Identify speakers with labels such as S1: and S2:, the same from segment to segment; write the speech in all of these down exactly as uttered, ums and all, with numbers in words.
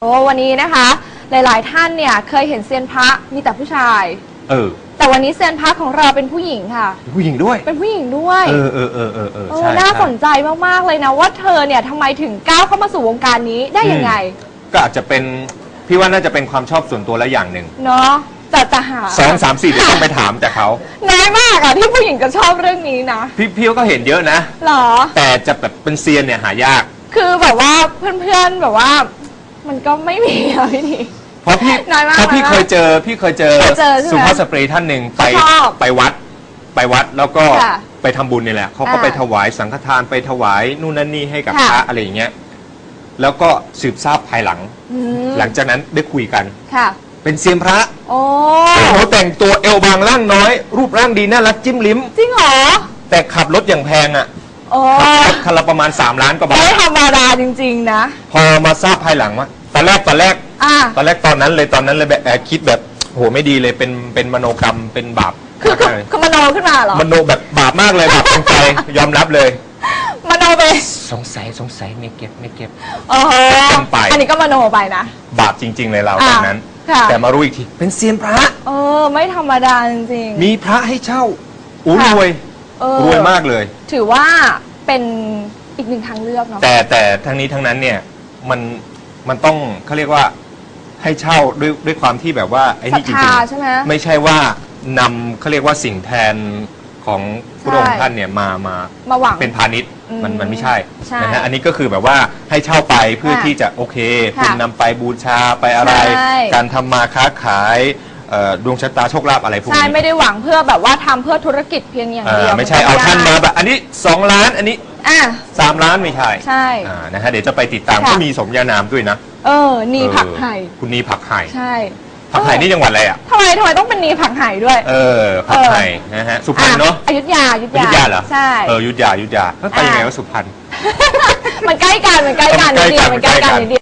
S1: โอ้วันนี้นะคะหลายๆท่านเนี่ยเคยเห็นเซียนพระมีแต่ผู้ชาย
S2: เออ
S1: แต่วันนี้เซียนพระของเราเป็นผู้หญิงค่ะ
S2: ผู้หญิงด้วย
S1: เป็นผู้หญิงด้วย
S2: เออเออเออเออเออใช่
S1: น่าสนใจมากๆเลยนะว่าเธอเนี่ยทำไมถึงก้าวเข้ามาสู่วงการนี้ได้ยังไง
S2: ก็อาจจะเป็นพี่ว่าน่าจะเป็นความชอบส่วนตัวและอย่างหนึ่ง
S1: เนาะแต่จะหา
S2: สองสามสี่เดี๋ยวต้องไปถามจากเขา
S1: น้อยมากอะที่ผู้หญิงก็ชอบเรื่องนี้นะ
S2: พี่พี่ก็เห็นเยอะนะ
S1: หรอ
S2: แต่จะแบบเป็นเซียนเนี่ยหายาก
S1: คือแบบว่าเพื่อนๆแบบว่ามันก็ไม่มีอะพี่นี่
S2: เพราะพี่เพราะพี่เคยเจอพี่เคยเจอสุภาพสตรีท่านหนึ่งไปไปวัดไปวัดแล้วก็ไปทำบุญนี่แหละเขาก็ไปถวายสังฆทานไปถวายนู่นนั่นนี่ให้กับพระอะไรอย่างเงี้ยแล้วก็สืบทราบภายหลังหลังจากนั้นได้คุยกันเป็นเซียนพระโอ้โหแต่งตัวเอวบางร่างน้อยรูปร่างดีน่ารักจิ้มลิ้ม
S1: จริงเหรอ
S2: แต่ขับรถอย่างแพงอ่ะคันละประมาณสามล้านกว่าบาท
S1: ไม่ธรรมดาจริงๆนะ
S2: พอมาทราบภายหลังว่าตอนแรกตอนแรกตอนแรกตอนนั้นเลยตอนนั้นเลยแบบคิดแบบโหไม่ดีเลยเป็นเป็นมโนกรรมเป็นบาป
S1: คือคือมโนขึ้นมาเหรอ
S2: มโนแบบบาปมากเลยบาปตรงใจยอมรับเลย
S1: มโนไป
S2: สงสัยสงสัยไม่เก็บไม่เก็บ
S1: โอ้โหอันนี้ก็มโนไปนะ
S2: บาปจริงๆเลยเราตอนนั้นแต่มารู้อีกทีเป็นเซียนพระ
S1: เออไม่ธรรมดาจริง
S2: ๆมีพระให้เช่าอู้รวยรวยมากเลย
S1: ถือว่าเป็นอีกหนึ่งทางเลือกเนาะ
S2: แต่แต่ทั้งนี้ทั้งนั้นเนี่ยมันมันต้องเขาเรียกว่าให้เช่าด้วยด้วยความที่แบบว่าไอ้นี่จริงๆใช่ไหมไม่ใช่ว่านำเขาเรียกว่าสิ่งแทนของพระองค์ท่านเนี่ยมามา
S1: มาหวัง
S2: เป็นพาณิชย์มันมันไม่ใช่นะฮะอันนี้ก็คือแบบว่าให้เช่าไปเพื่อที่จะโอเคคุณนำไปบูชาไปอะไรการทำมาค้าขายดวงชะตาโชคลาภอะไรพวกนี้
S1: ใช่ไม่ได้หวังเพื่อแบบว่าทำเพื่อธุรกิจเพียงอย่างเดียว
S2: ไม่ใช่เอาท่านมาแบบอันนี้สองล้านอันนี้สามล้านไม่ใช่
S1: ใช่
S2: นะฮะเดี๋ยวจะไปติดตามก็มีสมญานามด้วยนะ
S1: เออนีผักไห่
S2: คุณนีผักไห่
S1: ใช่
S2: ผักไห่นี่จังหวัดอะไรอ่ะ
S1: ทำไมทำไมต้องเป็นนีผักไห่ด้วย
S2: เออผักไห่นะฮะสุพรรณเนาะ
S1: อยุธยาอยุธ
S2: ยาเหรอ
S1: ใช่
S2: เอออยุธยาอยุธยาแล้วไปยังไงว่าสุพรรณ
S1: มันใกล้กันมันใกล้กันนิดเดียวมันใกล้กันนิดเดียว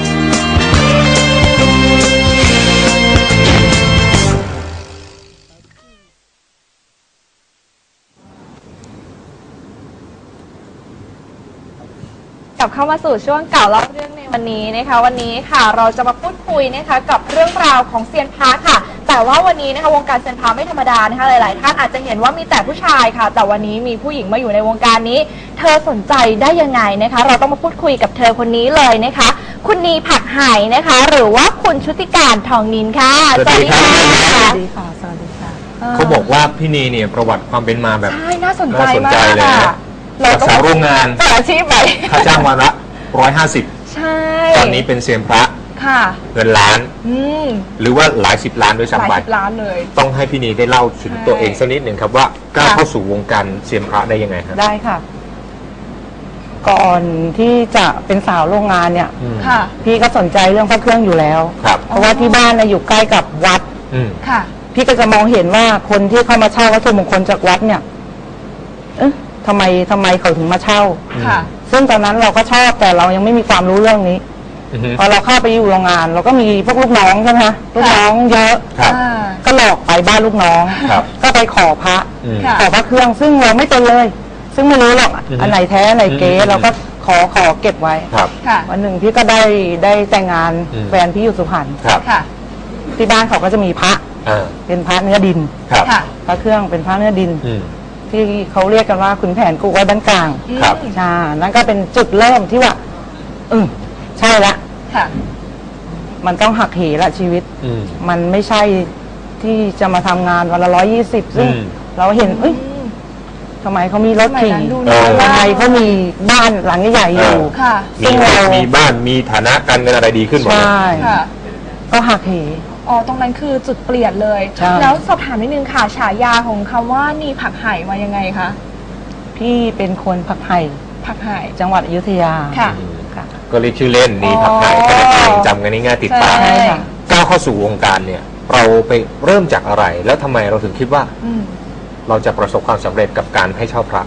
S1: กลับเข้ามาสู่ช่วงเก่าเล่าเรื่องในวันนี้นะคะวันนี้ค่ะเราจะมาพูดคุยนะคะกับเรื่องราวของเซียนพระค่ะแต่ว่าวันนี้นะคะวงการเซียนพระไม่ธรรมดานะคะหลายๆท่านอาจจะเห็นว่ามีแต่ผู้ชายค่ะแต่วันนี้มีผู้หญิงมาอยู่ในวงการนี้เธอสนใจได้ยังไงนะคะเราต้องมาพูดคุยกับเธอคนนี้เลยนะคะคุณนีผักไห่นะคะหรือว่าคุณชุติการทองนินค่ะ
S2: สวัสดีค่ะ
S3: สวัสดีค่ะสวัสดีค่ะ
S2: เขาบอกว่าพี่นีเนี่ยประวัติความเป็นมาแบบ
S1: ใช่น่าสนใจมาก
S2: เลยรักษาโรงงาน
S1: อาชีพไป
S2: ค่าจ้างวันละร้อยห้าสิบ
S1: ใช่
S2: ตอนนี้เป็นเซียนพระ
S1: ค่ะ
S2: เงินล้านหรือว่าหลายสิบล้านด้วยซ้ำไป
S1: หลายสิบล้านเลย
S2: ต้องให้พี่นีได้เล่าถึงตัวเองสักนิดหนึ่งครับว่าก้าวเข้าสู่วงการเซียนพระได้ยังไงครับ
S3: ได้ค่ะก่อนที่จะเป็นสาวโรงงานเนี่ย
S1: ค่ะ
S3: พี่ก็สนใจเรื่องพระเครื่องอยู่แล้วเพราะว่าที่บ้านนะอยู่ใกล้กับวัด
S1: ค่ะ
S3: พี่ก็จะมองเห็นว่าคนที่เข้ามาเช่าวัตถุมงคลจากวัดเนี่ยเอ๊ะทำไมทำไมเขาถึงมาเช่า
S1: ค่ะ
S3: ซึ่งตอนนั้นเราก็ชอบแต่เรายังไม่มีความรู้เรื่องนี้พอเราเข้าไปอยู่โรงงานเราก็มีพวกลูกน้องใช่ไหมคะลูกน้องเยอะก็หลอกไปบ้านลูกน้องก็ไปขอพระขอพระเครื่องซึ่งเราไม่เป็นเลย ซึ่งไม่รู้หรอกอันไหนแท้อันไหนเก๊เราก็ขอขอเก็บไว้วันหนึ่งพี่ก็ได้ได้แต่งงานแฟนพี่อยู่สุพรรณที่บ้านเขาก็จะมีพระเป็นพระเนื้อดินพระเครื่องเป็นพระเนื้อดินที่เขาเรียกกันว่าขุนแผนกูไว้บ้านกลาง
S2: ครับ
S3: ใช่นั่นก็เป็นจุดเริ่มที่ว่าอืมใช่ละมันต้องหักเหละชีวิตมันไม่ใช่ที่จะมาทำงานวันละร้อยยี่สิบซึ่งเราเห็นเอ้ยทำไมเขามีรถขี่ทำไมเขามีบ้านหลังใหญ่อยู่
S2: ซึ่งเรามีบ้านมีฐานะการเงินอะไรดีขึ้นหมด
S3: ใช่ก็หักเห
S1: อ๋อตรงนั้นคือจุดเปลี่ยนเลยแล้วสอบถามนิดนึงค่ะฉายาของคำว่านีผักไห่มายังไงคะ
S3: พี่เป็นคนผักไห่
S1: ผักไห่
S3: จังหวัดอยุธยา
S1: ค่ะ
S2: ก็เรียกชื่อเล่นนีผักไห่ก็เลยจำกันง่ายๆติดปากก้าวเข้าสู่วงการเนี่ยเราไปเริ่มจากอะไรแล้วทำไมเราถึงคิดว่าเราจะประสบความสำเร็จกับการให้เช่าพระ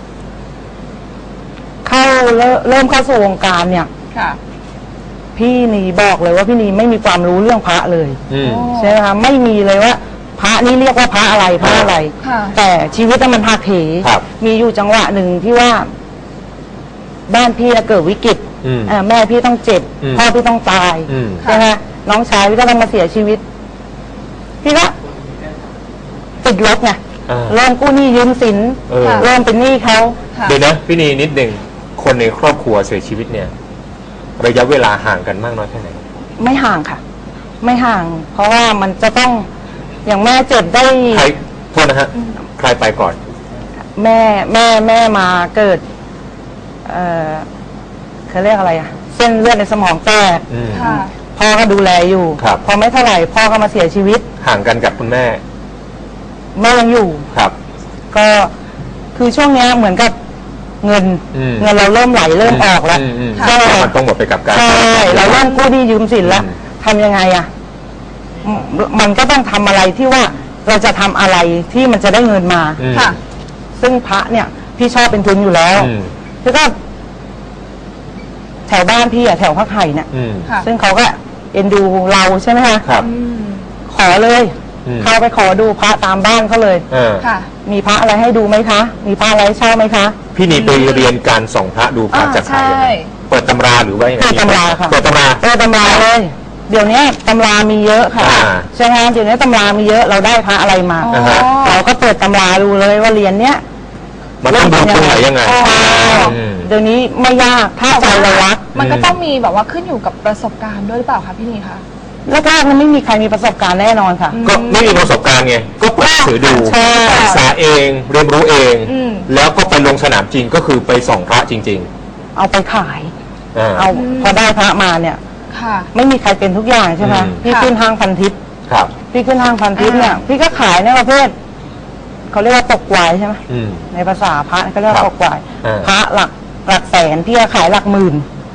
S3: เข้าเริ่มเข้าสู่วงการเนี่ยพี่นีบอกเลยว่าพี่นีไม่มีความรู้เรื่องพระเลยใช่ไหมคะไม่มีเลยว่าพระนี่เรียกว่าพระอะไรพระอะไรแต่ชีวิตมันหักเหมีอยู่จังหวะหนึ่งที่ว่าบ้านพี่เกิดวิกฤต
S2: อืม
S3: เอ่อแม่พี่ต้องเจ็บ
S2: อืม
S3: พ่อพี่ต้องตาย
S2: อืม
S3: ใช่ไหมน้องชายพี่ก็ต้องมาเสียชีวิต พี่ก็ติดลบไง
S2: อ่า
S3: เริ่มกู้หนี้ยืมสิน
S2: เออ
S3: เริ่มเป็นหนี้เขา
S1: ค่ะ
S2: เดี๋ยวนะพี่นีนิดหนึ่งคนในครอบครัวเสียชีวิตเนี่ย ระยะเวลาห่างกันมากน้อยแค่ไหน
S3: ไม่ห่างค่ะ ไม่ห่าง เพราะว่ามันจะต้องอย่างแม่เจ็บได้
S2: ใครโทษนะฮะใครไปก่อน
S3: แม่แม่แม่มาเกิด เออเขาเรียกอะไรอะเส้นเลือดในสมองแตก
S2: อืม
S1: ค่ะ
S3: พ่อก็ดูแลอยู่
S2: ครับ
S3: พอไม่เท่าไหร่พ่อก็มาเสียชีวิต
S2: ห่างกันกับคุณแม่
S3: แม่ยังอยู่
S2: ครับ
S3: ก็คือช่วงเนี้ยเหมือนกับเงิน
S2: อืม
S3: เงินเราเริ่มไหลเริ่มออกแล้ว
S2: มม
S3: ใช่
S2: มันต้องหมดไปกับการ
S3: ใช่เราเริ่มกู้หนี้ยืมสินแล้ว
S2: อืม
S3: ทำยังไงอะมมันก็ต้องทำอะไรที่ว่าเราจะทำอะไรที่มันจะได้เงินมา
S2: อืม
S1: ค่ะ
S3: ซึ่งพระเนี่ย พี่ชอบเป็นทุนอยู่แล้ว
S2: อืม
S3: คือก็แถวบ้านพี่อะแถวพักไห่เนี่ย
S2: อืม
S1: ค่ะ
S3: ซึ่งเขาก็เอ็นดูเราใช่ไหมคะ
S2: ครับ
S1: อืม
S3: ขอเลย
S2: อืม
S3: เข้าไปขอดูพระตามบ้านเขาเลย
S2: เออ
S1: ค่ะ
S3: มีพระอะไรให้ดูไหมคะ มีพระอะไรให้เช่าไหมคะ
S2: พี่นีไปเรียนการส่องพระดูพระ
S1: อ่า
S2: จากใครยังไง
S1: ใช่
S2: เปิดตำราหรือว่ายังไง
S3: เปิดตำราค่ะ
S2: เปิดตำรา
S3: เออตำราเลย เดี๋ยวนี้ตำรามีเยอะค่ะ
S2: อ่า
S3: ใช่ไหมเดี๋ยวนี้ตำรามีเยอะเราได้พระอะไรมา
S1: อ๋อ
S2: อ่าฮะ
S3: เราก็เปิดตำราดูเลยว่าเรียนเนี้ย
S2: มันต้องดูตรงไหนยังไง
S3: ใช่
S2: อืม
S3: เดี๋ยวนี้ไม่ยากถ้าใจเรารัก
S1: มันก็ต้องมีแบบว่าขึ้นอยู่กับประสบการณ์ด้วยหรือเปล่าคะพี่นีคะ
S3: แล้วก็มันไม่มีใครมีประสบการณ์แน่นอนค่ะ
S2: ก็ไม่มีประสบการณ์ไง ก็เปิดหนังสือดู
S3: ใช่
S2: ศึกษาเองเรียนรู้เอง
S1: อืม
S2: แล้วก็ไปลงสนามจริงก็คือไปส่องพระจริง
S3: เอาไปขาย
S2: ๆอ่า
S3: เอาพอได้พระมาเนี่ย
S1: ค่ะ
S3: ไม่มีใครเป็นทุกอย่างใช่ไหม
S2: อืม
S3: พี่
S1: ค่ะ
S3: ขึ้นห้างพันทิพย์
S2: ครับ
S3: พี่ขึ้นห้างพันทิพย์เนี่ย
S1: อ่า
S3: พี่ก็ขายในประเภทเขาเรียกว่าตกวายใช่ไหม
S2: อืม
S3: ในภาษาพระเขาเรียก
S2: ครั
S3: ว่า
S2: บ
S3: ตกวาย
S2: อ่า
S3: พระหลักหลักแสนพี่ก็ขายหลักหมื่น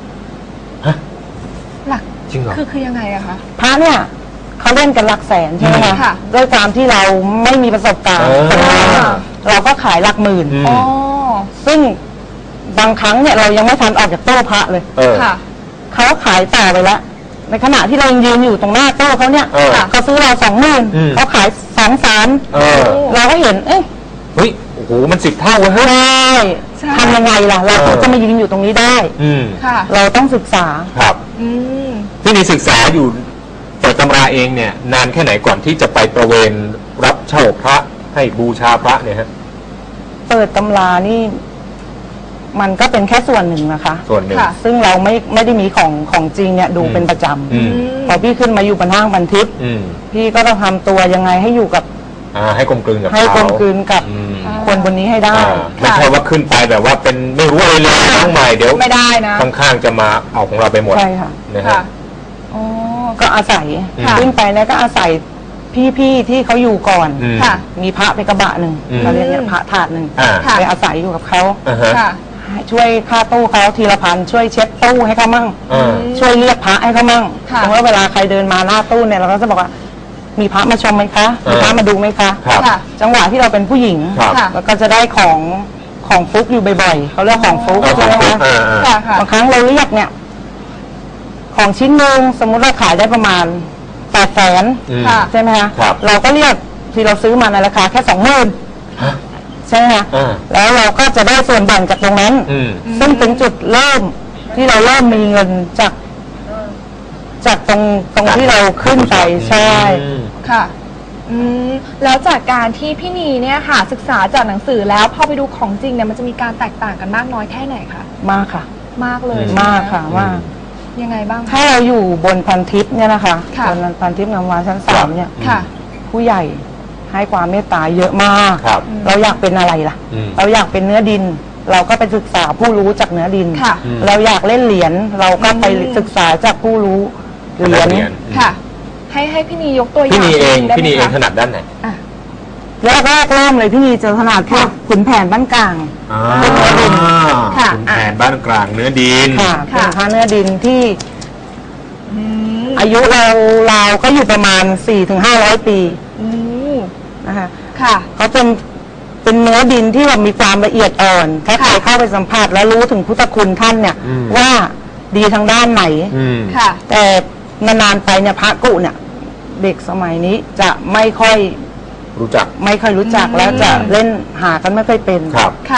S1: หลัก
S2: จริงเหรอ
S1: คือคือยังไงอะคะ
S3: พระเนี่ยเขาเล่นกันหลักแสนใช่ไหม
S1: ค่ะ
S3: คะด้วยความที่เราไม่มีประสบการณ์
S2: เออ
S3: เราก็ขายหลักหมื่น
S2: อืม
S1: อ๋อ
S3: ซึ่งบางครั้งเนี่ยเรายังไม่ทันออกจากโต๊ะพระเลย
S2: เออ
S1: ค่ะ
S3: เขาขายต่อไปแล้วในขณะที่เรายังยืนอยู่ตรงหน้าโต๊ะเขาเนี่ย
S2: เออ
S3: เขาซื้อเราสองหมื่น
S2: อืม
S3: เขาขายสองสาม
S2: เออ
S3: เราก็เห็นเอ๊ะ
S2: เฮ้ย โอ้โห มันสิบเท่าเว้ยเฮ้ย
S3: ใช่
S1: ใช่
S3: ทำยังไงล่ะ เรา
S2: เออ
S3: จะมายืนอยู่ตรงนี้ได้
S2: อืม
S1: ค่ะ
S3: เราต้องศึกษา
S2: ครับ
S1: อืม
S2: ที่นี่ศึกษาอยู่เปิดตำราเองเนี่ย นานแค่ไหนก่อนที่จะไปประเวนรับเช่าพระให้บูชาพระเนี่ยฮะ
S3: เปิดตำรานี่ มันก็เป็นแค่ส่วนหนึ่งนะคะ
S2: ส่วนหนึ่ง
S1: ค่ะ
S3: ซึ่งเราไม่ไม่ได้มีของของจริงเนี่ยดู
S2: อืม
S3: เป็นประจ
S2: อืม
S3: ำพอพี่ขึ้นมาอยู่บนห้างบันทิพย์
S2: อืม
S3: พี่ก็ต้องทำตัวยังไงให้อยู่กับ
S2: อ่า ให้กลมกลืนกับ
S3: ให้
S2: เขา
S3: กลมกลืนกับ
S2: อืม
S3: คนบนนี้ให้ได้
S2: อ่าไม่ใช่ว่าขึ้นไปแบบว่าเป็นไม่รู้อะไรเลยทั้งใหม่เดี๋ยว
S1: ไม่ได้นะ
S2: ข้างๆจะมาเอาของเราไปหมด
S3: ใช่ค่ะ
S2: นะ
S1: ค่ะ
S2: ฮะ
S1: อ๋อ
S3: ก็อาศัย
S2: ค่ะ
S3: ขึ้นไปแล้วก็อาศัยพี่ๆที่เขาอยู่ก่อน
S2: อืม
S1: ค่ะ
S3: มีพระไปกระบะหนึ่ง
S2: อืม
S3: เขาเรียกเนี่ยพระถาดหนึ่ง
S2: อ่า
S1: ค่ะ
S3: ไปอาศัยอยู่กับเขา
S2: อ่าฮะ
S1: ค่ะ
S3: ให้ช่วยค่าตู้เขาทีละพันช่วยเช็ดตู้ให้เขามั่ง
S2: อ่า
S3: ช่วยเรียกพระให้เขามั่ง
S1: ค่ะ
S3: สมมติว่าเวลาใครเดินมาหน้าตู้เนี่ยเราก็จะบอกว่า มีพระมาชมไหมคะ มีพระมาดูไหมคะ
S2: ครับ
S1: ค่ะ
S3: จังหวะที่เราเป็นผู้หญิง
S2: ครับ
S1: ค่ะ
S3: แล้วก็จะได้ของของฟุกอยู่บ่อยๆเขาเรียกของฟุก
S2: เอาข
S3: ใช่
S2: อง
S3: ไหม
S2: ฟุก
S3: คะ
S2: อ่าอ่า
S1: ค่ะค่ะ
S3: บางครั้งเราเรียกเนี่ย ของชิ้นหนึ่งสมมุติเราขายได้ประมาณแปดแสน
S2: อืม
S1: ค่ะ
S3: ใช่ไหมคะ
S2: ครับ
S3: เราก็เรียกที่เราซื้อมาในราคาแค่สองหมื่น
S2: ฮะ
S3: ใช่ไหมคะ
S2: อ่า
S3: แล้วเราก็จะได้ส่วนแบ่งจากตรงนั้น
S2: อืม
S3: ซึ่งเป็นจุดเริ่มที่เราเริ่มมีเงินจาก จากตรงตรงที่เราขึ้นไปใช่
S2: อืม
S1: ค่ะ อืม แล้วจากการที่พี่นีเนี่ยค่ะ ศึกษาจากหนังสือแล้วพอไปดูของจริงเนี่ยมันจะมีการแตกต่างกันมากน้อยแค่ไหนคะ
S3: มากค่ะ
S1: มากเลย
S2: อื
S1: ใช่ไห
S3: มากค่ะมาก
S1: ยังไงบ้าง
S3: ถ้าเราอยู่บนพันทิพย์เนี่ยนะคะ
S1: ค่ะ
S3: บนพันทิพย์งามวานชั้นสามเนี่ย
S1: ค่ะ
S3: ผู้ใหญ่ให้ความเมตตาเยอะมาก
S2: ครับ
S3: เราอยากเป็นอะไรล่ะ
S2: อืม
S3: เราอยากเป็นเนื้อดิน เราก็ไปศึกษาผู้รู้จากเนื้อดิน
S1: ค่ะ
S2: อืม
S3: เราอยากเล่นเหรียญเราก็ไป
S1: อืม
S3: ศึกษาจากผู้รู้เหรียญ
S1: ค่ะ ให้ให้พี่นียกตัวอย่าง
S2: พี่นีเอง
S1: ได้ไหม
S2: พี่นีเอง
S1: คะ
S2: ถนัดด้านไหน
S1: อ่ะ
S3: แรกแรกเริ่มเลยพี่นีเจอขนาดพวกขุนแผนบ้านกลาง
S2: อ่า
S1: ค่ะ
S2: ขุนแผนบ้านกลางเนื้อดิน
S3: ค่ะ
S1: ค่ะ
S3: เป็นพระเนื้อดินที่
S1: อืม
S3: อายุเราเราก็อยู่ประมาณสี่ถึงห้าร้อยปี
S1: อืม
S3: นะคะ
S1: ค่ะ
S3: เขาเป็นเป็นเนื้อดินที่แบบมีความละเอียดอ่อนถ้าใคร
S1: ค่ะ
S3: เข้าไปสัมผัสแล้วรู้ถึงพุทธคุณท่านเนี่ย
S2: อืม
S3: ว่าดีทางด้านไหน
S2: อืม
S1: ค่ะ
S3: แต่นานๆไปเนี่ยพระกุเนี่ย เด็กสมัยนี้จะไม่ค่อย
S2: รู้จัก
S3: ไม่ค่อยรู้จัก
S1: อืม
S3: แล้วจะเล่นหากันไม่ค่อยเป็น
S2: ครับ
S1: ค่ะ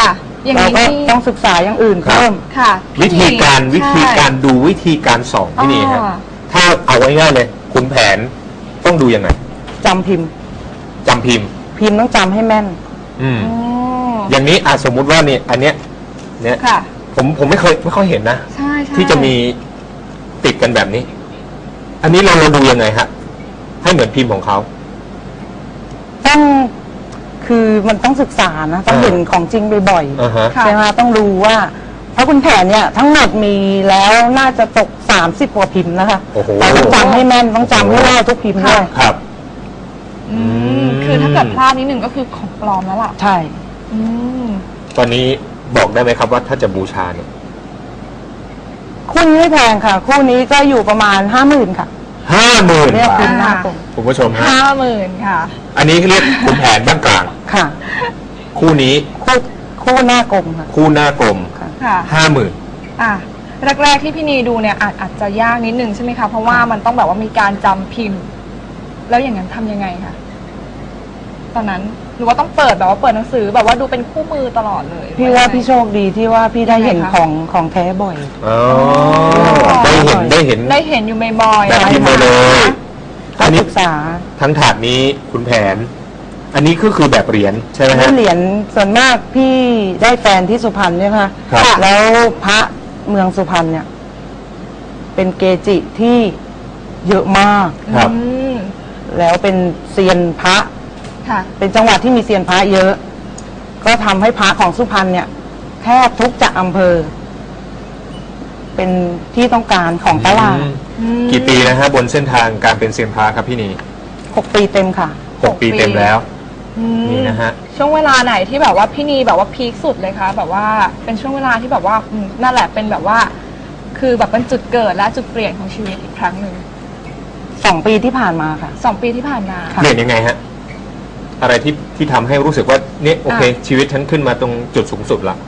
S1: อย่าง
S3: เรา
S1: นี้
S3: ก็
S1: นี่
S3: ต้องศึกษาอย่างอื่น
S2: ครับ
S3: เพิ่ม
S1: ค่ะ
S2: วิธีการ
S1: ใช่
S2: วิธีการดูวิธีการส่องพี่นี่ฮะ
S1: อ่า
S2: ถ้าเอาง่ายๆเลยคุณแผนต้องดูยังไง
S3: จำพิมพ์
S2: จำพิมพ์
S3: พิมพ์ต้องจำให้แม่น
S2: อืม
S1: อ๋อ
S2: อย่างนี้อาสมมุติว่าเนี่ยอันเนี้ยเนี่ย
S1: ค่ะ
S2: ผมผมไม่เคยไม่ค่อยเห็นนะ
S1: ใช่ใช่
S2: ที่จะมีติดกันแบบนี้ อันนี้เราเราดูยังไงฮะให้เหมือนพิมพ์ของเขา
S3: ต้องคือมันต้องศึกษานะต้อง
S2: อ่า
S3: เห็นของจริงบ่อย
S2: อ่าฮะ
S3: ๆใช่ไหมต้องรู้ว่าเพราะคุณแผนเนี่ยทั้งหมดมีแล้วน่าจะตกสามสิบกว่าพิมพ์นะคะ
S2: โอ้โห
S3: เราต้องจำให้แม่นต้องจำให้ได้ทุกพิมพ์ด้วย
S2: ครับ
S1: อืมคือถ้าเกิดพลาดนิดหนึ่งก็คือของปลอมแล้วล่ะ
S3: ใช่
S1: อืม
S2: ตอนนี้บอกได้ไหมครับว่าถ้าจะบูชาเนี่ย
S3: คู่นี้ไม่แพงค่ะ คู่นี้ก็อยู่ประมาณห้าหมื่นค่ะ
S2: ห้าหมื่น
S3: เรียก
S2: บา
S3: คุ
S2: ท
S3: ณหน้ากลม
S2: คุณผู้ชมฮะ
S1: ห้าหมื่นค่ะ
S2: อันนี้เรียกคุณแผนบ้านกลาง
S3: ค่ะ
S2: คู่นี้
S3: คู่คู่หน้ากลมค่ะ
S2: คู่หน้ากลม
S3: ค่ะ
S1: ค่ะ
S2: ห้าหมื่น
S1: อ่ะแรกๆที่พี่นีดูเนี่ยอาจอาจจะยากนิดนึงใช่ไหมคะเพราะว่ามันต้องแบบว่ามีการจำพิมพ์ แล้วอย่างนั้นทำยังไงคะตอนนั้นหรือว่าต้องเปิดแบบว่าเปิดหนังสือแบบว่าดูเป็นคู่มือตลอดเลย
S3: พี่ว่าพี่โชคดีที่ว่าพี่ได้เห็น
S1: ยังไงคะ
S3: ของของแท้บ่อย
S2: อ๋อได้เห็นได้เห็น
S1: ได้เห็นอยู่บ่อยๆ
S2: แบบพิมพ์มาเลย
S3: ต้
S2: อั
S3: อน ง
S2: นี้
S3: ศึกษา
S2: ทั้งถาดนี้คุณแผน อันนี้ก็คือแบบเหรียญใช่ไหมฮะ
S3: ที่เหรียญส่วนมากพี่ได้แฟนที่สุพรรณใช่ไหมคะ
S2: ครับ
S3: แล้วพระเมืองสุพรรณเนี่ย เป็นเกจิที่เยอะมาก
S2: ครับ
S1: อืม
S3: แล้วเป็นเซียนพระ
S1: ค่ะ
S3: เป็นจังหวัดที่มีเซียนพระเยอะ ก็ทำให้พระของสุพรรณเนี่ยแทบทุกจากอำเภอ เป็นที่ต้องการของตลาด
S2: อืมกี่ปีนะฮะบนเส้นทางการเป็นเซียนพระครับพี่นี
S3: หกปีเต็มค่ะ
S2: หกปีเต็มแล้ว
S1: อืม
S2: นี่นะฮะ
S1: ช่วงเวลาไหนที่แบบว่าพี่นีแบบว่าพีคสุดเลยคะแบบว่าเป็นช่วงเวลาที่แบบว่าอืมนั่นแหละเป็นแบบว่า คือแบบเป็นจุดเกิดและจุดเปลี่ยนของชีวิตอีกครั้งหนึ่ง
S3: สองปีที่ผ่านมาค่ะ
S1: สองปีที่ผ่านมา
S3: ค่ะ
S2: เปลี่ยนยังไงฮะ อะไรที่ที่ทำให้รู้สึกว่าเนี่ยโอเค
S1: อ่ะ
S2: ชีวิตฉันขึ้นมาตรงจุดสูงสุดละ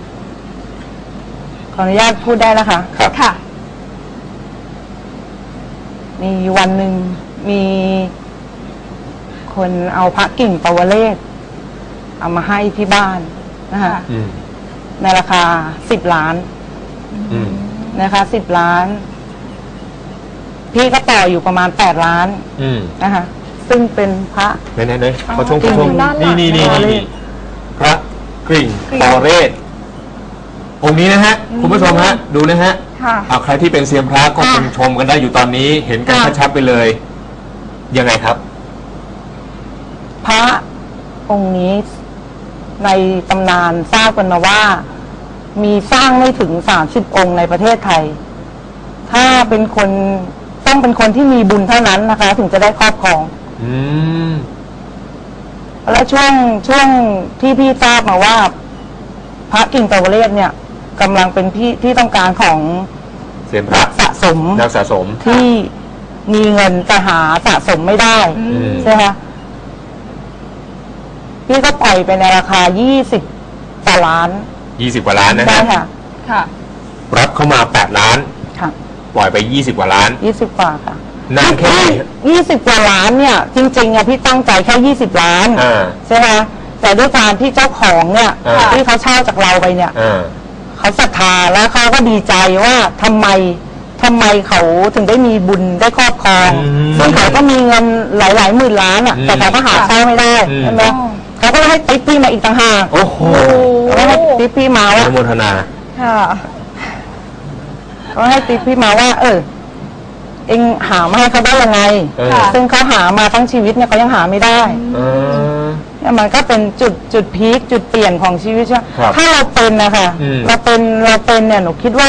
S3: ขออนุญาตพูดได้นะคะ
S2: ครับ
S1: ค่ะ
S3: มีวันหนึ่งมีคนเอาพระกิ่งปวเรศเอามาให้ที่บ้านนะคะ
S1: ค่ะ
S2: อืม
S3: ในราคาสิบล้าน
S2: อืม
S3: นะคะสิบล้าน พี่ก็ต่ออยู่ประมาณแปดล้าน
S2: อืม
S3: นะคะ ซึ่งเป็นพระ
S2: ไหนไหนไหน
S1: อ๋อ
S2: ขอชมขอชม
S1: จริงๆด้านหลั
S2: นี่
S1: ง
S2: นี่นี่
S3: นะคะ
S2: นี่พระกริ่ง
S1: กริ่ง
S2: ปอเรศองค์นี้นะฮะ คุณผู้ชมฮะ ดูนะฮะ
S1: ค่ะ
S2: เอาใครที่เป็นเซียนพระก็คง
S1: อ่ะ
S2: ชมกันได้อยู่ตอนนี้ เห็นกัน
S1: ค่ะ
S2: ชัดๆไปเลย ยังไงครับ
S3: พระองค์นี้ในตำนานทราบกันมาว่า มีสร้างไม่ถึงสามสิบองค์ในประเทศไทย ถ้าเป็นคนต้องเป็นคนที่มีบุญเท่านั้นนะคะ ถึงจะได้ครอบครอง
S2: อืม
S3: แล้วช่วงช่วงที่พี่ทราบมาว่า พระกิ่งปวเรศเนี่ยกำลังเป็นพี่ที่ต้องการของ
S2: เซียนพระ
S3: นักสะสม
S2: นักสะสม
S3: ที่มีเงินแต่หาสะสมไม่ได้
S1: อืม
S3: ใช่ไหมคะพี่ก็ปล่อยไปในราคายี่สิบต่อล้าน
S2: ยี่สิบกว่าล้านนะ
S3: ใช่
S2: ฮะ
S3: ค่ะ
S1: ค่ะ
S2: รับเข้ามาแปดล้าน
S3: ค่ะ
S2: ปล่อยไปยี่สิบกว่าล้าน
S3: ยี่สิบกว่าค่ะ
S2: นานแค่ไหนฮะ
S3: ยี่สิบกว่าล้านเนี่ย จริงๆอะพี่ตั้งใจแค่ยี่สิบล้าน
S2: อ่า
S3: ใช่ไหมคะแต่ด้วยการที่เจ้าของเนี่ย
S2: อ่า
S3: ที่เขาเช่าจากเราไปเนี่ย
S2: อ่า
S3: เขาศรัทธาแล้วเขาก็ดีใจว่าทำไมทำไมเขาถึงได้มีบุญได้ครอบครอง
S2: อืม
S3: ซึ่งเขาก็มีเงินหลายๆหมื่นล้านอ่ะ
S2: อืม
S3: แต่เขาก็หาเช่าไม่ได้
S2: อืม
S3: ใช่ไหมเขาก็ให้ติ๊ปพี่มาอีกต่างหาก
S2: โอ้โห
S3: เขาก็ให้ติ๊ปพี่มา
S2: อ
S3: ว่า
S2: นุโมทนา
S1: ค่ะ
S3: เขาให้ติ๊ปพี่มาว่า เออ เอ็งหามาให้เขาได้ยังไง
S2: เออ
S1: ค่ะ
S3: ซึ่งเขาหามาทั้งชีวิตเนี่ยเขายังหาไม่ได้
S2: เออ
S3: เนี่ยมันก็เป็นจุดจุดพีคจุดเปลี่ยนของชีวิตใช่ไหม
S2: ครับ
S3: ถ้าเราเป็นนะคะ
S2: อืม
S3: เราเป็นเราเป็นเนี่ยหนูคิดว่า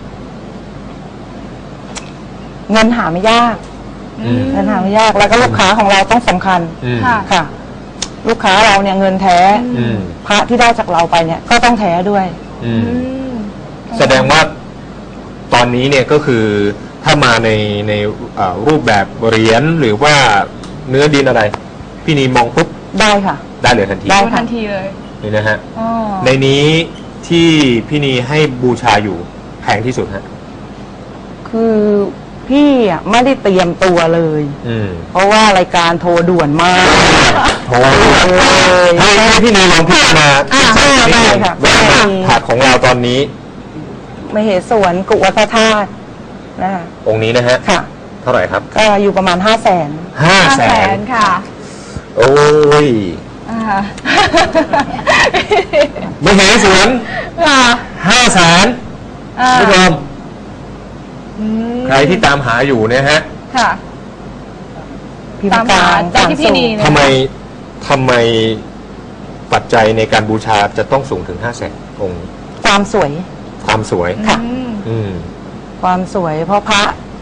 S3: เงินหาไม่ยาก
S2: อืม
S3: เงินหาไม่ยาก แล้วก็ลูกค้าของเราต้องสำคัญ
S2: อืม
S1: ค่ะ
S3: ค่ะ ลูกค้าเราเนี่ยเงินแท้
S2: อืม
S3: พระที่ได้จากเราไปเนี่ย ก็ต้องแท้ด้วย
S2: อื
S1: อื
S2: ม
S1: ม
S2: แสดงว่าตอนนี้เนี่ยก็คือถ้ามาในในเอ่อรูปแบบเหรียญหรือว่าเนื้อดินอะไร พี่นีมองปุ๊บ
S3: ได้ค่ะ
S2: ได้เลยทันที
S3: ได้
S1: ดูทันทีเลย
S2: นี่นะฮะ
S1: อ๋อ
S2: ในนี้ที่พี่นีให้บูชาอยู่แพงที่สุดฮะ
S3: คือพพี่อ่ะไม่ได้เตรียมตัวเลย
S2: อืม
S3: เพราะว่ารายการโทรด่วนมาก
S2: โทรเลยให้ให้พี่นีลองพิจารณา
S3: อ่าได้ค่ะ
S2: ว่าผักของเราตอนนี้
S3: มเหสวนกุวัฒธาตุนะคะ
S2: องค์นี้นะฮะ
S3: ค่ะ
S2: เท่าไหร่ครับ
S3: ก็อยู่ประมาณห้าแสน
S2: ห้า
S1: ห้า
S2: แส
S1: แส
S2: น
S1: นค่ะ
S2: โอ้ย
S1: อ่า
S2: ไม่เห็นสวน
S1: ค่ะ
S2: ห้าแสน
S1: อ่า
S2: ผู้ชม
S1: อืม
S2: ใครที่ตามหาอยู่เนี่ยฮะ
S1: ค่ะ
S3: พิม
S1: ตาม
S3: พ์ก
S1: หา
S3: ลาง
S1: จากที่พี่นีเนี่ย
S2: ทำไมทำไมปัจจัยในการบูชาจะต้องสูงถึงห้าแสนองค์
S3: ความสวย
S2: ความสวย
S3: ค่ะ
S1: อืม
S2: อืม
S3: ความสวย เพราะพระ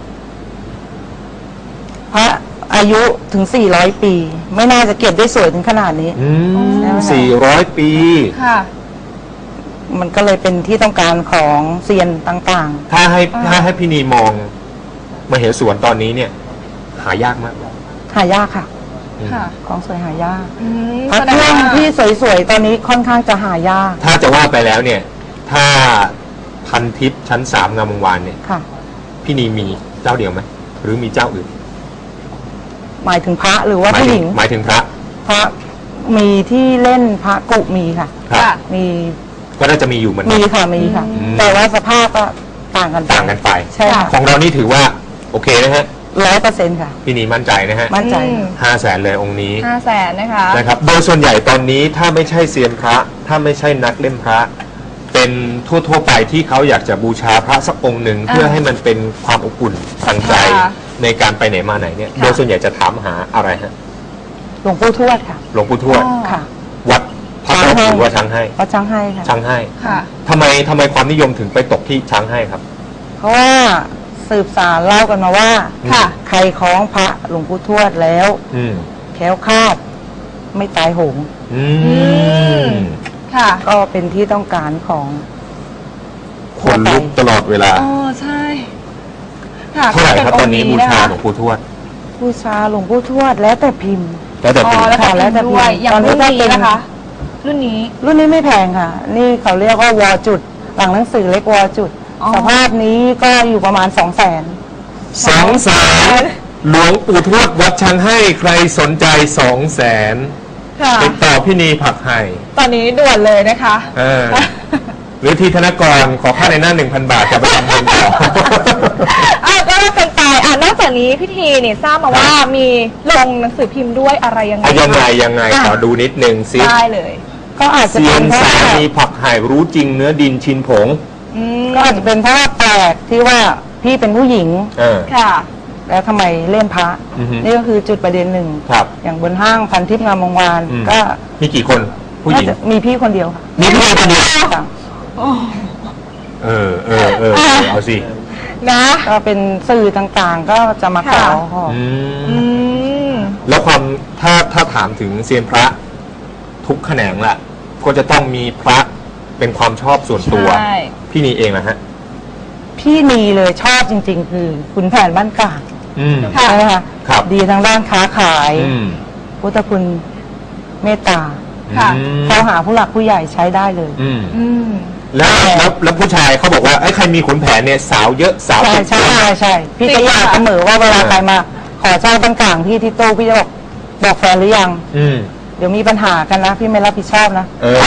S3: พระอายุถึงสี่ร้อยปี ไม่น่าจะเก็บได้สวยถึงขนาดนี้
S2: อืม
S3: อ๋อ
S2: สี่ร้อยปี
S1: ค่ะ
S3: มันก็เลยเป็นที่ต้องการของเซียนต่าง
S2: ถ้าให้
S1: อ่า
S2: ถ้าให้พี่นีมองมาเหสวนตอนนี้เนี่ย หายากมาก
S3: ๆ หายากค่ะ
S2: อืม
S1: ค่ะ
S3: ของสวยหายาก
S1: อืม
S3: พระ
S1: แสด
S3: เค
S1: ง
S3: รื่อง
S1: ว่า
S3: ที่สวยๆ ตอนนี้ค่อนข้างจะหายาก
S2: ถ้าจะว่าไปแล้วเนี่ย ถ้าพันทิพย์ชั้นสามงามวงวานเนี่ย
S3: ค่ะ
S2: พี่นีมีเจ้าเดียวไหมหรือมีเจ้าอื่น
S3: หมายถึงพระหรือว่า
S2: หมาย
S3: ผู้
S2: ถึ
S3: ห
S2: ง
S3: ญิง
S2: หมายถึงพระ
S3: พระมีที่เล่นพระกุมีค่ะ
S2: ครับ
S1: ค่ะ
S3: มี
S2: ก็น่าจะมีอยู่เหมือนกั
S3: มี
S2: น
S3: ค่ะมีค่ะ
S2: อืม
S3: แต่ว่าสภาพก็ต่างกันไป
S2: ต่างกันไป
S3: ใช่ค่ะ
S2: ของเรานี่ถือว่า โอเคนะฮะ
S3: ร้อยเปอร์เซ็นต์ค่ะ
S2: พี่นีมั่นใจนะฮะ
S3: มั่นใจ
S1: อืม
S2: ห้าแสนเลยองค์นี้
S1: ห้าแสนนะคะ
S2: นะครับ โดยส่วนใหญ่ตอนนี้ถ้าไม่ใช่เซียนพระ ถ้าไม่ใช่นักเล่มพระ เป็นทั่วๆไปที่เขาอยากจะบูชาพระสักองค์หนึ่ง
S1: อ่า
S2: เพื่อให้มันเป็นความอบอุ่นทางใจ
S1: ค่ะ
S2: ในการไปไหนมาไหนเนี่ย
S1: ค่ะ
S2: โดยส่วนใหญ่จะถามหาอะไรฮะ
S3: หลวงปู่ทวดค่ะ
S2: หลวงปู่ทวด
S1: อ๋อ
S3: ค่ะ
S2: วัดพระ
S3: ช้างให้
S2: หรือว่าช้างให้
S3: วัดช้างให้ค่ะ
S2: ช้างให้
S1: ค่ะ
S2: ทำไมทำไมความนิยมถึงไปตกที่ช้างให้ครับ
S3: เพราะว่าสืบสารเล่ากันมาว่า
S1: ค่ะ
S3: ใครคล้องพระหลวงปู่ทวดแล้ว
S2: อืม
S3: แคล้วคลาด ไม่ตายโหง
S2: อืม
S1: ค่ะ
S3: ก็เป็นที่ต้องการของ
S2: คนลุกตลอดเวลา
S1: อ๋อใช่ ค่ะ
S2: เท่าไหร่ครับ
S1: ก็
S2: ต
S1: เป็
S2: อนนี้
S1: งค์
S2: บูชา
S1: ะคะ
S2: หลวงปู่ทวด
S3: บูชาหลวงปู่ทวดแล้วแต่พิมพ์
S2: แล้วแต่
S1: อ๋
S2: ปี
S1: อแล้วก็
S3: ค่ะแล้วแต่
S1: พิมพ์ด้วย
S3: พิมพ์
S1: อย่าง
S3: ตอนนี้
S1: รุ่น
S3: ก็
S1: นี้
S3: เป็น
S1: นะคะ รุ่นนี้
S3: รุ่นนี้ไม่แพงค่ะ นี่เขาเรียกว่าวอจุด หลังหนังสือเล็กวอจุด
S1: อ๋อ
S3: สภาพนี้ก็อยู่ประมาณสองแสน
S2: สองแสนหลวงปู่ทวดวัดช้างให้ใครสนใจสองแสน
S1: ค่ะ
S2: ติดต่อพี่นีผักไห่
S1: ตอนนี้ด่วนเลยนะคะ
S2: เออหรือทีธนกรขอค่าในหน้าหนึ่งพันบาทจะไปทำบุญต่อ
S1: อ่ะก็เป็นไปอ่ะนอกจากนี้พี่ทีเนี่ยทราบมาว่ามีลงหนังสือพิมพ์ด้วยอะไรยังไง
S2: อ่ะยังไง
S1: คะ
S2: ยังไง
S1: อ่ะ
S2: ขอดูนิดนึงซิ
S1: ได้เลย
S3: ก็อาจจะ
S2: เซีย
S3: เป็น
S2: น
S3: เพราะ
S2: สา
S3: ว่า
S2: มีผักไห่รู้จริงเนื้อดินชินผง
S1: อืม
S3: ก็อาจจะเป็นเพราะว่าแปลกที่ว่าพี่เป็นผู้หญิง
S2: เออ
S1: ค่ะ
S3: แล้วทำไมเล่นพระ
S2: อือฮึ
S3: นี่ก็คือจุดประเด็นหนึ่ง
S2: ครับ
S3: อย่างบนห้างพันทิพย์งามวงวาน
S2: อืม
S3: ก็
S2: มีกี่คนผู้หญิง
S3: น่าจะมีพี่คนเดียวค่ะ
S2: มีผู้หญิงคนเดียว
S3: ค่ะ
S2: เออเออเออเออเอาสิ
S1: นะ
S3: ก็เป็นสื่อต่างๆ ก็จะมาขอ
S1: ค่ะ
S3: ขอ
S2: อื
S1: อื
S2: ม
S1: ม
S2: แล้วความถ้าถ้าถามถึงเซียนพระทุกแขนงละก็จะต้องมีพระเป็นความชอบส่วนตัว
S1: ใช่
S2: พี่นีเองนะฮะ
S3: พี่นีเลยชอบจริง ๆ คือขุนแผนบ้านกลาง
S2: อืม
S1: ค่ะ
S3: ใช่ไหมคะ
S2: ครับ
S3: ดีทางด้านค้าขาย
S2: อืม
S3: พุทธคุณเมตตา
S1: ค่ะ
S2: อืม
S3: เข้าหาผู้หลักผู้ใหญ่ใช้ได้เลย
S2: อืม
S1: อืม
S2: แล้วแล้วแล้วผู้ชายเขาบอกว่าไอ้ยใครมีขุนแผนเนี่ยสาวเยอะสาว
S3: ใช่
S2: เป็น
S3: ใช่ใช่ใช่พี่
S1: จริ
S3: ก็
S1: ง
S3: อยาก
S1: ค่ะ
S3: เสมอว่าเวลาใครมา ขอเจ้าบ้านกลางพี่ที่โต๊ะพี่จะบอกบอกแฟนหรือยัง
S2: อืม
S3: เดี๋ยวมีปัญหากันนะ พี่ไม่รับผิดชอบนะ
S2: เออ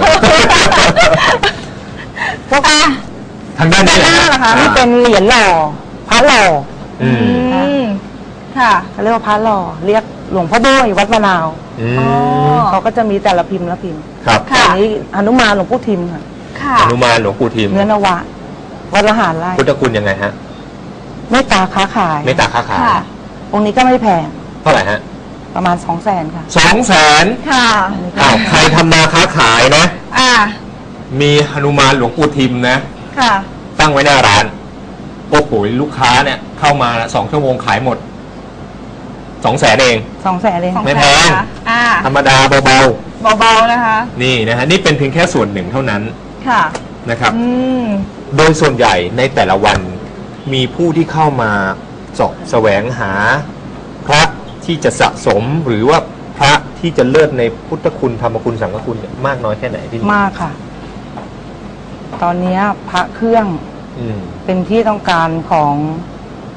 S3: พวก
S1: อ่ะ
S2: ทางด้านนี้
S1: ด้านหน้าเหรอคะ
S3: นี่เป็นเหรียญหล่อพระหล่อ
S2: อืม
S1: อืม ค่ะ
S3: เขาเรียกว่าพระหล่อเรียกหลวงพ่อโบ้ยวัดมะนาว
S2: อืม
S1: อ๋อ
S3: เขาก็จะมีแต่ละพิมพ์ละพิมพ์
S2: ครับ
S1: ค่ะ
S3: อันนี้หนุมานหลวงปู่ทิมค่ะ
S1: ค่ะ
S2: อนุมานหลวงปู่ทิม
S3: เนื้อนวะวัดละหารไร่
S2: พุทธคุณยังไงฮะ
S3: เมตตาค้าขาย
S2: เมตตาค้าขาย
S1: ค่ะ
S3: องค์นี้ก็ไม่แพง
S2: เท่าไหร่ฮะ
S3: ประมาณสองแสนค่ะ
S2: สองแสน
S1: ค่ะ
S2: อ้าวใครทำมาค้าขายนะ
S1: อ่ะ
S2: มีหนุมานหลวงปู่ทิมนะ
S1: ค่ะ
S2: ตั้งไว้หน้าร้าน โอ้โหลูกค้าเนี่ย เข้ามาสองชั่วโมงขายหมดสองแสนเอง
S3: สองแสนเอง
S1: สอง
S2: ไม่
S1: แส
S2: แพ
S1: น
S2: ง
S1: นะคะอ่า
S2: ธรรมดาเบา
S1: เบาๆนะคะ
S2: ๆ นี่นะฮะ นี่เป็นเพียงแค่ส่วนหนึ่งเท่านั้น
S1: ค่ะ
S2: นะครับ
S1: อืม
S2: โดยส่วนใหญ่ในแต่ละวันมีผู้ที่เข้ามาเสาะแสวงหา พระที่จะสะสมหรือว่าพระที่จะเลิศในพุทธคุณธรรมคุณสังฆคุณเนี่ยมากน้อยแค่ไหนพี่นิด
S3: มากค่ะ ตอนเนี้ยพระเครื่อง
S2: อืม
S3: เป็นที่ต้องการของ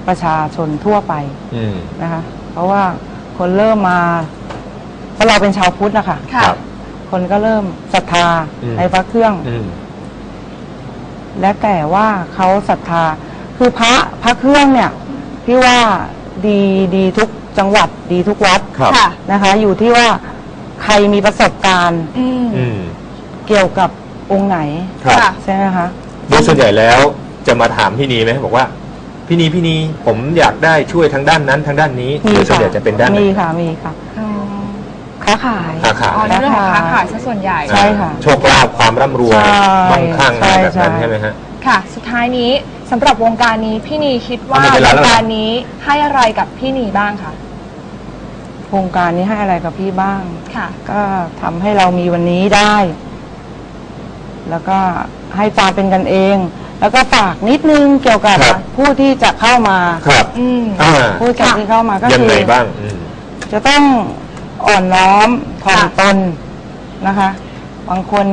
S3: ประชาชนทั่วไป
S2: อืม
S3: นะคะ เพราะว่าคนเริ่มมาเพราะเราเป็นชาวพุทธนะคะ
S1: ค่ะ
S3: คนก็เริ่มศรัทธา
S2: อืม
S3: ในพระเครื่อง
S2: อืม
S3: และแต่ว่าเขาศรัทธา คือพระพระเครื่องเนี่ยพี่ว่าดีดีทุกจังหวัดดีทุกวัด
S2: ครับ
S1: ค่ะ
S3: นะคะ อยู่ที่ว่าใครมีประสบการณ์
S1: อืม
S2: อืม
S3: เกี่ยวกับองค์ไหน
S2: ครับ
S1: ค่ะ
S3: ใช่ไหมคะ
S2: โดยส่วนใหญ่แล้วจะมาถามพี่นีไหมบอกว่าพี่นีพี่นีผมอยากได้ช่วยทางด้านนั้นทางด้านนี้
S3: มี
S2: โดยส่วน
S3: ค่ะ
S2: ใหญ่จะเป็นด้านไหน
S3: มีค่ะมีค่ะ
S1: อ๋อ
S3: ค้าขาย
S2: ค้าขาย
S1: อ๋อในเรื่องของค้าขายซะส่วนใหญ่
S3: ใช่ค่ะ
S2: โชคลาภความร่ำรวย
S3: ใช่
S2: มั่งคั่งอะไรแบบนั้น
S3: ใช่
S2: ใช่ไหมฮะ
S1: ค่ะ สุดท้ายนี้สำหรับวงการนี้พี่นีคิดว่า
S2: เอาหมดเว
S1: ว
S2: ลาง แล้วเหรอ
S1: การนี้ให้อะไรกับพี่นีบ้างคะ
S3: โครงการนี้ให้อะไรกับพี่บ้าง
S1: ค่ะ
S3: ก็ทำให้เรามีวันนี้ได้ แล้วก็ให้ความเป็นกันเอง แล้วก็ฝากนิดนึงเกี่ยวกับ
S2: ครับ
S3: ผู้ที่จะเข้ามา
S2: ครับ
S1: อืม
S2: อ่า
S3: ผู้จัดที่เข้ามาก็
S2: ยัง
S3: คือ
S2: ไงบ้างอืม
S3: จะต้องอ่อนน้อมถ่อม
S1: ค่ะ
S3: ตนนะคะ บางคน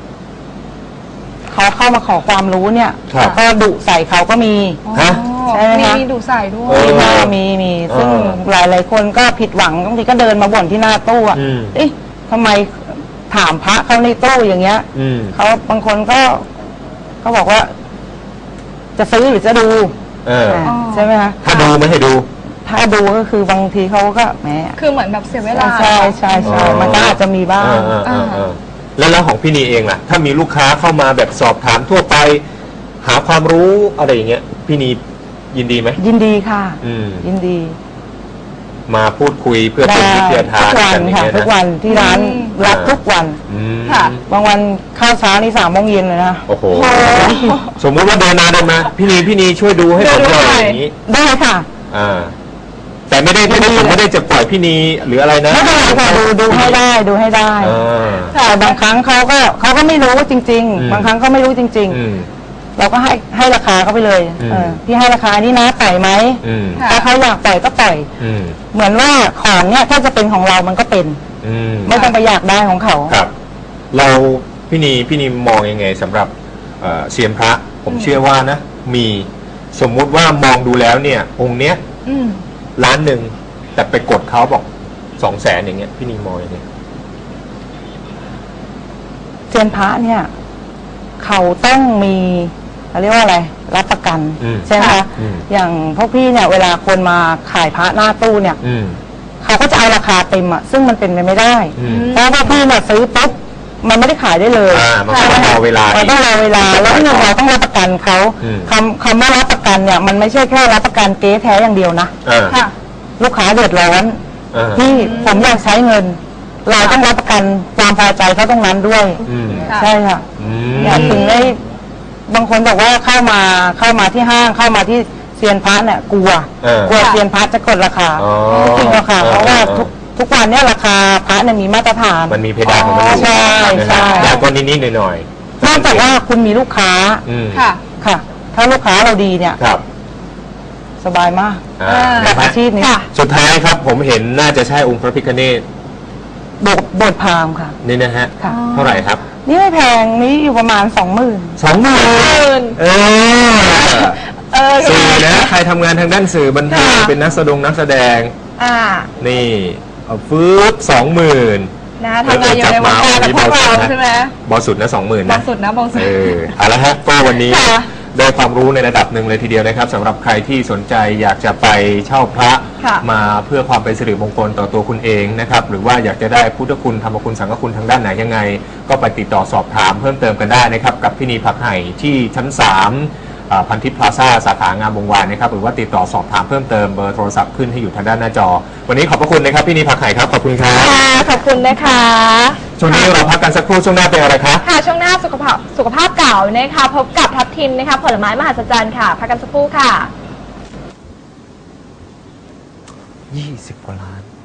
S3: เขาเข้ามาขอความรู้เนี่ย
S2: ครับ
S3: แล้วก็ดุใส่เขาก็มี
S2: ฮะ
S3: ใช่ไหม
S1: มี
S3: คะ
S1: มีดูใส่ด้ว
S2: เอย อ
S3: มีมีมีซึ่ง
S2: เออ
S3: หลายหลายๆคนก็ผิดหวังบางทีก็เดินมาบ่นที่หน้าตู้อะ
S2: อืม
S3: เอ๊ะทำไมถามพระเขาในตู้อย่างเงี้ย
S2: อืม
S3: เขาบางคนก็เขาบอกว่า จะซื้อหรือจะดู
S2: เออ
S3: อ่าใช่ไหมคะ
S2: ถ้าดูไม่ให้ดู
S3: ถ้าดูก็คือบางทีเขาก็แหม
S1: คือเหมือนแบบเสียเวลา
S3: ใช่ใช่ใช่
S2: อ๋อ
S3: มันก็อาจจะมีบ้าง
S2: เออเออเออแล้วแล้วของพี่นีเองล่ะ ถ้ามีลูกค้าเข้ามาแบบสอบถามทั่วไป หาความรู้อะไรอย่างเงี้ย พี่นียินดีไหม
S3: ยินดีค่ะ
S2: อืม
S3: ยินดี
S2: มาพูดคุยเพื่อเป็นวิทยาทา
S3: ทุ
S2: น
S3: กวัน
S2: กันอย่าง
S3: ค่ะ
S2: เงี้ย
S3: ทุก
S2: นะ
S3: วันที่ร้าน
S1: อืม
S3: รับทุกวัน
S2: อืม
S1: ค่ะ
S3: บางวันข้าวเช้านี่สามโมงเย็นเลยนะ
S2: โอ้โห
S1: โอ้
S2: สมมุติว่าเดินมาเดินมา พี่นีพี่นีช่วยดูให้ผมหน่อย
S1: ดูหน่อย
S2: อย่างนี้
S3: ได้ค่ะ
S2: อ่า แต่ไม่ได้ไม่ได้ผมไม่ได้จะปล่อยพี่นีหรืออะไรนะ
S3: ไม่เป็นไรค่ะดูดูให้ได้ดูให้ได้
S2: อ่า
S3: แต่บางครั้งเขาก็เขาก็ไม่รู้จริง
S2: อืม
S3: ๆ บางครั้งก็ไม่รู้จริง
S2: อืม
S3: ๆ เราก็ให้ให้ราคาเขาไปเลย
S2: อืม
S3: เออพี่ให้ราคานี้นะปล่อยไหม
S2: อืม
S1: ค่ะ
S3: ถ้าเขาอยากปล่อยก็ปล่อย
S2: อืม
S3: เหมือนว่าของเนี่ยถ้าจะเป็นของเรามันก็เป็น
S2: อืม
S3: ไม่ต้องไปอยากได้ของเขา
S2: ครับ เราพี่นีพี่นีมองยังไงสำหรับเอ่อเซียนพระ ผมเชื่อว่านะ มีสมมุติว่ามองดูแล้วเนี่ย องค์เนี้ย
S1: อืม
S2: ล้านหนึ่งแต่ไปกดเขาบอกสองแสนอย่างเงี้ยพี่นีมองยังไง
S3: เซียนพระเนี่ย เขาต้องมีเขาเรียกว่าอะไร รับประกัน
S2: อืม
S3: ใช่ไหมคะ
S2: อืม
S3: อย่างพวกพี่เนี่ย เวลาคนมาขายพระหน้าตู้เนี่ย
S2: อืม
S3: เขาก็จะเอาราคาเต็มอะซึ่งมันเป็นไปไม่ได้
S2: อืม
S3: เพราะว่าพี่เนี่ยซื้อปุ๊บมันไม่ได้ขายได้เลย
S2: อ่ามันก็ต้องรอเวลา
S3: มันต้องรอเวลาแล้วหนึ่งเราต้องรับประกันเขา
S2: อืม
S3: คำคำว่ารับประกันเนี่ย มันไม่ใช่แค่รับประกันเก๊แท้อย่างเดียวนะ
S2: อ่า
S1: ค่ะ
S3: ลูกค้าเดือดร้อน
S2: อ่า
S3: ที่ผมอยากใช้เงิน เราต้องรับประกันความพอใจเขาตรงนั้นด้วย
S2: อืม
S1: ค่ะ
S3: ใช่ค่ะ
S2: อืม
S3: อยากถึงได้บางคนบอกว่าเข้ามาเข้ามาที่ห้างเข้ามาที่เซียนพระเนี่ยกลัว
S2: เออ
S3: กลัวเซียนพระจะกดราคา
S2: อ๋อ
S3: ไม่จริงหรอกค่ะ
S2: เออ
S3: เพราะว่า
S2: เออ
S3: ทุกทุกวันเนี่ยราคาพระเนี่ยมีมาตรฐาน
S2: มันมีเพดานของมันอยู่
S3: ใช่
S2: นะ
S3: ใช่
S2: ฮะแล้วก็นิดๆหน่อยๆ
S3: นอกจากว่าคุณมีลูกค้า
S2: อืม
S1: ค่ะ
S3: ค่ะ ถ้าลูกค้าเราดีเนี่ย
S2: ครับ
S3: สบายมาก
S2: อ่า
S3: กับ
S2: นะ
S3: อา
S2: ฮะ
S3: ชีพนี้
S1: ค่ะ
S2: สุดท้ายครับผมเห็นน่าจะใช่องค์พระพิฆเนศ
S3: บทบทพราหมณ์ค่ะ
S2: นี่นะฮะ
S3: ค่ะ
S2: เท่าไหร่ครับ
S3: นี่ไม่แพงนี่อยู่ประมาณสองหมื่น
S2: สองหมื่นเออ
S1: เออ
S2: สื่อนะ ใครทำงานทางด้านสื่อบันเทิง
S1: ค่ะ
S2: เป็นนักแสดงนักแสดง
S1: อ่า
S2: นี่เอาฟืบสองหมื่น
S1: นะทำงานอยู่ในวงการแบบพวกเราใช่ไหม
S2: บอสุดนะสองหมื่น
S1: บา
S2: นะ
S1: งสุดนะบางสุด
S2: เออเอาละฮะก็วันนี้
S1: ค่ะ
S2: ได้ความรู้ในระดับหนึ่งเลยทีเดียวนะครับสำหรับใครที่สนใจอยากจะไปเช่าพระ
S1: ค่ะ
S2: มาเพื่อความเป็นสิริมงคลต่อตัวคุณเองนะครับหรือว่าอยากจะได้พุทธคุณธรรมคุณสังฆคุณทางด้านไหนยังไง ก็ไปติดต่อสอบถามเพิ่มเติมกันได้นะครับกับพี่นีผักไห่ที่ชั้นสามอ่าพันทิพย์พลาซ่าสาขางามวงวานนะครับหรือว่าติดต่อสอบถามเพิ่มเติมเบอร์โทรศัพท์ขึ้นให้อยู่ทางด้านหน้าจอ วันนี้ขอบพระคุณนะครับพี่นีผักไห่ครับขอบคุณครับ
S1: ค่ะขอบคุณนะคะ
S2: ช่วงนี้เราพักกันสักครู่ช่วงหน้าเป็นอะไรครับ
S1: ค่ะช่วงหน้าสุขภาพสุขภาพเก่านะคะพบกับทับทิมนะคะผลไม้มหัศจรรย์ค่ะพักกันสักครู่ค่ะ
S2: ยี่สิบกว่าล้าน